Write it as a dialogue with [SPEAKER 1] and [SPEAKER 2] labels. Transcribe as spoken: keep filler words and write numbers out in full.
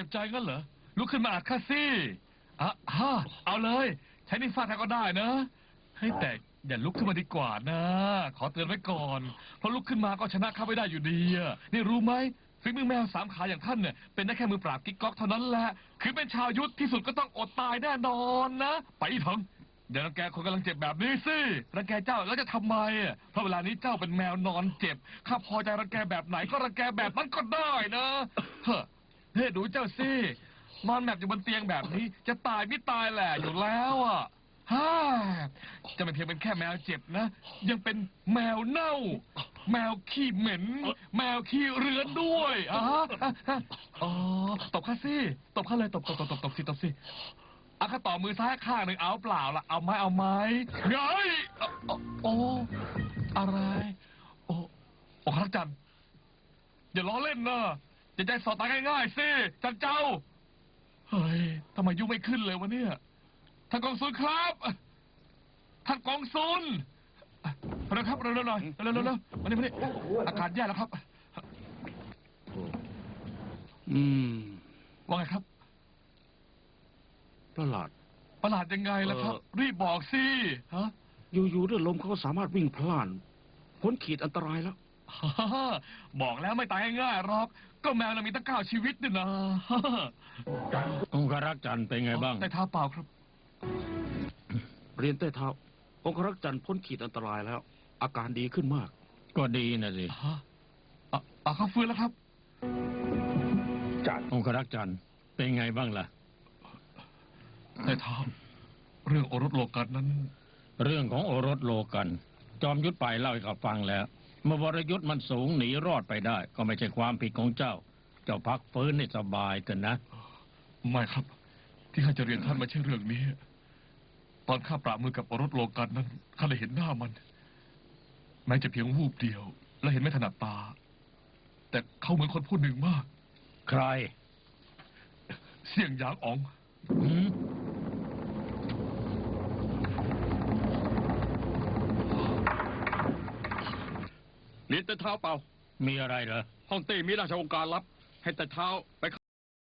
[SPEAKER 1] บใจงั้นเหรอลุกขึ้นมาอัดข้าสิอ่ะฮะเอาเลยใช้นิ้วฟาดแทนก็ได้นะให้แต่อย่าลุกขึ้นมาดีกว่านะขอเตือนไว้ก่อนเพราะลุกขึ้นมาก็ชนะข้าไม่ได้อยู่ดีอะนี่รู้ไหมฝีมือแมวสามขาอย่างท่านเนี่ยเป็นได้แค่มือปราบกิ๊กก๊อกเท่านั้นแหละคือเป็นชาวยุทธที่สุดก็ต้องอดตายแน่นอนนะไปอีถังอย่ารังแกคนกำลังเจ็บแบบนี้สิรังแกเจ้าแล้วจะทำไมอ่ะเพราะเวลานี้เจ้าเป็นแมวนอนเจ็บข้าพอใจรังแกแบบไหนก็รังแกแบบนั้นก็ได้นะเฮ้เฮ้ดูเจ้าสินอนแมบอยู่บนเตียงแบบนี้จะตายไม่ตายแหละอยู่แล้วอ่ะฮ่าจะไม่เพียงเป็นแค่แมวเจ็บนะ ยังเป็นแมวเน่า แมวขี้เหม็น แมวขี้เรือนด้วยอ่ะฮะอ๋อตบข้าสิตบข้าเลยตบตบตบตบตบสิตบสิอ่ะข้าต่อมือซ้ายข้างหนึ่งเอาเปล่าล่ะเอาไหมเอาไหมเงยโอ้อะไรโอ้โอ้ครับจันอย่าล้อเล่นนะอย่าใจสอดตายง่ายๆสิจันเจ้าเฮ้ยทำไมยุ่งไม่ขึ้นเลยวะเนี่ยท่านกองซุนครับท่านกองซุนเร็วครับเร็วๆหน่อยเร็วๆเร็วๆมานี่มานี่อาการแย่แล้วครับ
[SPEAKER 2] อืม
[SPEAKER 1] ว่าไงครับ
[SPEAKER 2] ประหลาด
[SPEAKER 1] ประหลาดยังไงล่ะครับ รีบบอกสิฮะ
[SPEAKER 2] อยู่ๆเรื่องลมเขาก็สามารถวิ่งพล่านพ้นขีดอันตรายแล้ว
[SPEAKER 1] บอกแล้วไม่ตายง่ายๆหรอกก็แมวเรามีตั้งเก้าชีวิตนี่นะ
[SPEAKER 3] องครักษ์จันทร์เป็นไงบ้าง
[SPEAKER 1] แต่เท้าเปล่าครับ
[SPEAKER 2] เรียนใต้เท้าองครักษ์จันทร์พ้นขีดอันตรายแล้ว อาการดีขึ้นมาก
[SPEAKER 3] ก็ดีนะสิ
[SPEAKER 1] ฮะอ่ะอ่ะเขาฟื้นแล้วครับ
[SPEAKER 3] องครักษ์จันทร์เป็นไงบ้างล่ะ
[SPEAKER 1] แต่เท้าเรื่องโอรสโลกันนั้น
[SPEAKER 3] เรื่องของโอรสโลกัน จอมยุทธไปเล่าให้ข้าฟังแล้วเมื่อวรยุทธ์มันสูงหนีรอดไปได้ ก็ไม่ใช่ความผิดของเจ้า เจ้าพักฟื้นให้สบายเถอะนะ
[SPEAKER 1] ไม่ครับ ที่ข้าจะเรียนท่านไม่ใช่เรื่องนี้ ตอนข้าปราบมือกับโอรสโลกันนั้นข้าได้เห็นหน้ามัน แม้จะเพียงวูบเดียว และเห็นไม่ถนัดตา แต่เขาเหมือนคนผู้หนึ่งมาก
[SPEAKER 3] ใคร
[SPEAKER 1] เสี่ยงหยางอ๋อง
[SPEAKER 3] หืม
[SPEAKER 4] เรียนแต่เท้าเปล่า
[SPEAKER 3] มีอะไรเหรอ
[SPEAKER 4] ห้องเต้มีราชองค์การลับ ให้แต่เท้าไป